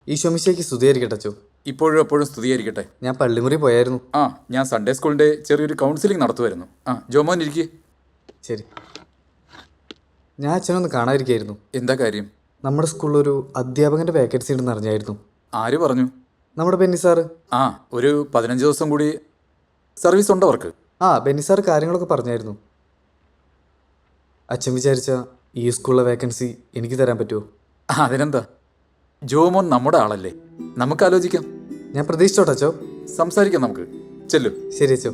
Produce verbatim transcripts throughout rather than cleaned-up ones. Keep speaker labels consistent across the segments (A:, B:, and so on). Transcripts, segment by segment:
A: ഈശോമിശിയേക്ക് സ്തുതിയായിരിക്കട്ടെ അച്ചോ.
B: ഇപ്പോഴും എപ്പോഴും സ്തുതിയായിരിക്കട്ടെ.
A: ഞാൻ പള്ളിമുറി പോയായിരുന്നു.
B: ആ ഞാൻ സൺഡേ സ്കൂളിൻ്റെ ചെറിയൊരു കൗൺസിലിംഗ് നടത്തുമായിരുന്നു. ആ ജോമോൻ ഇരിക്കേ.
A: ശരി. ഞാൻ അച്ഛനൊന്ന് കാണാതിരിക്കായിരുന്നു.
B: എന്താ കാര്യം?
A: നമ്മുടെ സ്കൂളിലൊരു അധ്യാപകൻ്റെ വേക്കൻസി ഉണ്ടെന്ന് അറിഞ്ഞായിരുന്നു.
B: ആര് പറഞ്ഞു?
A: നമ്മുടെ ബെന്നി സാറ്.
B: ആ ഒരു പതിനഞ്ച് ദിവസം കൂടി സർവീസ് ഉണ്ട് അവർക്ക്.
A: ആ ബെന്നി സാറ് കാര്യങ്ങളൊക്കെ പറഞ്ഞായിരുന്നു. അച്ഛൻ വിചാരിച്ച ഈ സ്കൂളിലെ വേക്കൻസി എനിക്ക് തരാൻ പറ്റുമോ?
B: അതിനെന്താ, ജോമോൻ നമ്മുടെ ആളല്ലേ, നമുക്ക് ആലോചിക്കാം.
A: ഞാൻ പ്രതീക്ഷിച്ചോട്ടെ അച്ചോ.
B: സംസാരിക്കാം നമുക്ക്. ചെല്ലു.
A: ശരി അച്ചോ.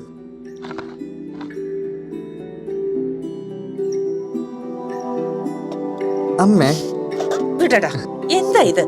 A: അമ്മേ
C: വിടടാ, എന്താ ഇത്?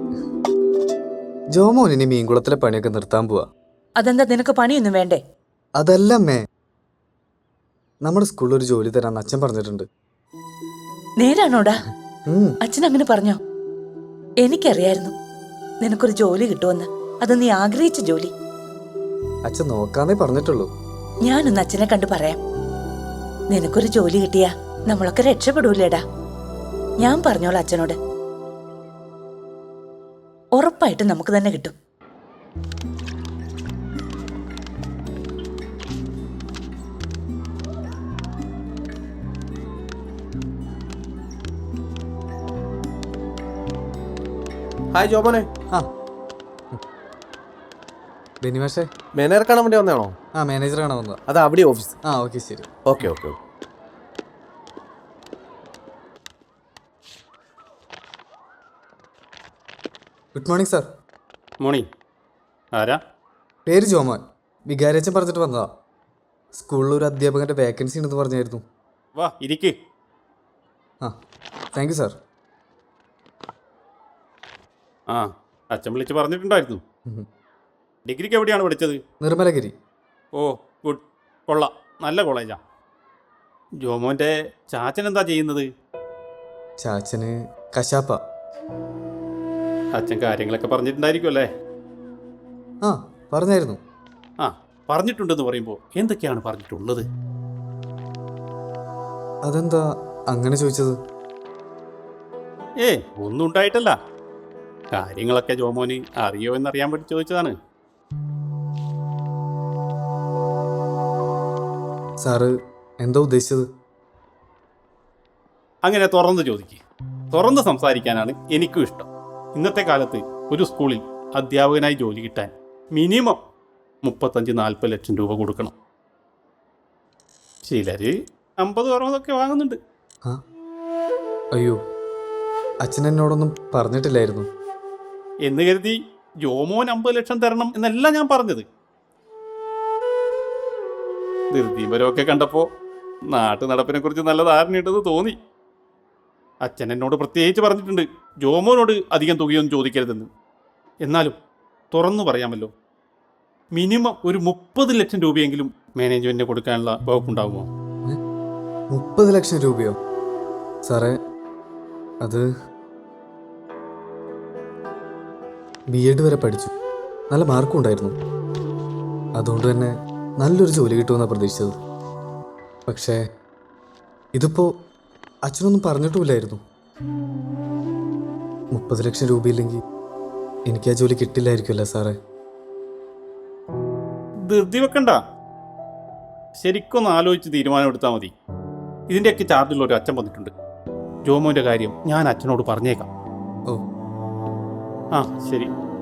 A: ജോമോൻ ഇനി മീൻകുളത്തിലെ പണിയൊക്കെ നിർത്താൻ പോവാ.
C: അതെന്താ, നിനക്ക് പണിയൊന്നും വേണ്ടേ?
A: അതല്ല അമ്മേ, നമ്മുടെ സ്കൂളിൽ ഒരു ജോലി തരാന്ന് അച്ഛൻ പറഞ്ഞിട്ടുണ്ട്.
C: നേരാണോടാ?
A: ഉം.
C: അച്ഛൻ അങ്ങനെ പറഞ്ഞോ? എനിക്കറിയായിരുന്നു നിനക്കൊരു ജോലി കിട്ടുമെന്ന്. അത് നീ ആഗ്രഹിച്ച ജോലി.
A: അച്ഛൻ നോക്കാന്നേ പറഞ്ഞിട്ടുള്ളൂ.
C: ഞാനൊന്ന് അച്ഛനെ കണ്ടു പറയാം. നിനക്കൊരു ജോലി കിട്ടിയാ നമ്മളൊക്കെ രക്ഷപ്പെടൂലേടാ. ഞാൻ പറഞ്ഞോളാം അച്ഛനോട്. ഉറപ്പായിട്ടും നമുക്ക് തന്നെ കിട്ടും.
D: ഹായ് ജോമോനെ.
A: ആ ബെന്നി മാഷേ,
D: മാനേജർ കാണാൻ വേണ്ടി വന്നാണോ?
A: ആ മാനേജർ കാണാൻ വന്നതാ.
D: അത് അവിടെ ഓഫീസ്.
A: ആ ഓക്കെ ശരി.
D: Okay okay.
A: Good morning sir.
E: Morning. ആരാ?
A: പേര് ജോമോൻ. വികാരച്ചൻ പറഞ്ഞിട്ട് വന്നതാ. സ്കൂളിൽ ഒരു അധ്യാപകൻ്റെ വേക്കൻസി ഉണ്ടെന്ന് പറഞ്ഞായിരുന്നു.
E: വാ ഇരിക്ക്.
A: ആ താങ്ക് യു സാർ.
E: ആ അച്ഛൻ വിളിച്ച് പറഞ്ഞിട്ടുണ്ടായിരുന്നു. ഡിഗ്രിക്ക് എവിടെയാണ് പഠിച്ചത്?
A: നിർമ്മലഗിരി.
E: ഓ ഗുഡ്, കൊള്ളാം, നല്ല കോളേജാ. ജോമോൻ്റെ ചാച്ചൻ എന്താ ചെയ്യുന്നത്?
A: ചാച്ചന് കശാപ്പ.
E: അച്ഛൻ കാര്യങ്ങളൊക്കെ പറഞ്ഞിട്ടുണ്ടായിരിക്കും അല്ലേ?
A: ആ പറഞ്ഞായിരുന്നു.
E: ആ പറഞ്ഞിട്ടുണ്ടെന്ന് പറയുമ്പോൾ എന്തൊക്കെയാണ് പറഞ്ഞിട്ടുള്ളത്?
A: അതെന്താ അങ്ങനെ ചോദിച്ചത്?
E: ഏ ഒന്നും ഉണ്ടായിട്ടല്ല. കാര്യങ്ങളൊക്കെ ജോമോന് അറിയോ എന്നറിയാൻ വേണ്ടി ചോദിച്ചതാണ്.
A: സാറ് എന്താ ഉദ്ദേശിച്ചത്?
E: അങ്ങനെ തുറന്ന് ചോദിക്കുക. തുറന്ന് സംസാരിക്കാനാണ് എനിക്കും ഇഷ്ടം. ഇന്നത്തെ കാലത്ത് ഒരു സ്കൂളിൽ അധ്യാപകനായി ജോലി കിട്ടാൻ മിനിമം മുപ്പത്തഞ്ച് നാൽപ്പത് ലക്ഷം രൂപ കൊടുക്കണം. ചിലർ അമ്പത് അറുപതൊക്കെ വാങ്ങുന്നുണ്ട്.
A: ആ അയ്യോ, അച്ഛൻ എന്നോടൊന്നും പറഞ്ഞിട്ടില്ലായിരുന്നു.
E: എന്ന് കരുതി ജോമോൻ അമ്പത് ലക്ഷം തരണം എന്നല്ല ഞാൻ പറഞ്ഞത്. ധൃതിപരമൊക്കെ കണ്ടപ്പോൾ നാട്ടു നടപ്പിനെ കുറിച്ച് നല്ല ധാരണയുണ്ടെന്ന് തോന്നി. അച്ഛൻ എന്നോട് പ്രത്യേകിച്ച് പറഞ്ഞിട്ടുണ്ട് ജോമോനോട് അധികം തുകയൊന്നും ചോദിക്കരുതെന്ന്. എന്നാലും തുറന്നു പറയാമല്ലോ, മിനിമം ഒരു മുപ്പത് ലക്ഷം രൂപയെങ്കിലും മാനേജ്മെന്റിന് കൊടുക്കാനുള്ള വകുപ്പുണ്ടാകുമോ?
A: മുപ്പത് ലക്ഷം രൂപയോ? സാറേ, അത് ബി എഡ് വരെ പഠിച്ചു, നല്ല മാർക്കും ഉണ്ടായിരുന്നു. അതുകൊണ്ട് തന്നെ നല്ലൊരു ജോലി കിട്ടുമെന്നാണ് പ്രതീക്ഷിച്ചത്. പക്ഷേ ഇതിപ്പോൾ അച്ഛനൊന്നും പറഞ്ഞിട്ടുമില്ലായിരുന്നു. മുപ്പത് ലക്ഷം രൂപയില്ലെങ്കിൽ എനിക്ക് ആ ജോലി കിട്ടില്ലായിരിക്കുമല്ലേ സാറേ?
E: ധൃതി വെക്കണ്ട, ശരിക്കൊന്ന് ആലോചിച്ച് തീരുമാനമെടുത്താൽ മതി. ഇതിൻ്റെയൊക്കെ ചാർജുള്ള ഒരു അച്ഛൻ വന്നിട്ടുണ്ട്. ജോമോൻ്റെ കാര്യം ഞാൻ അച്ഛനോട് പറഞ്ഞേക്കാം.
A: ഓ
E: ആ ശരി.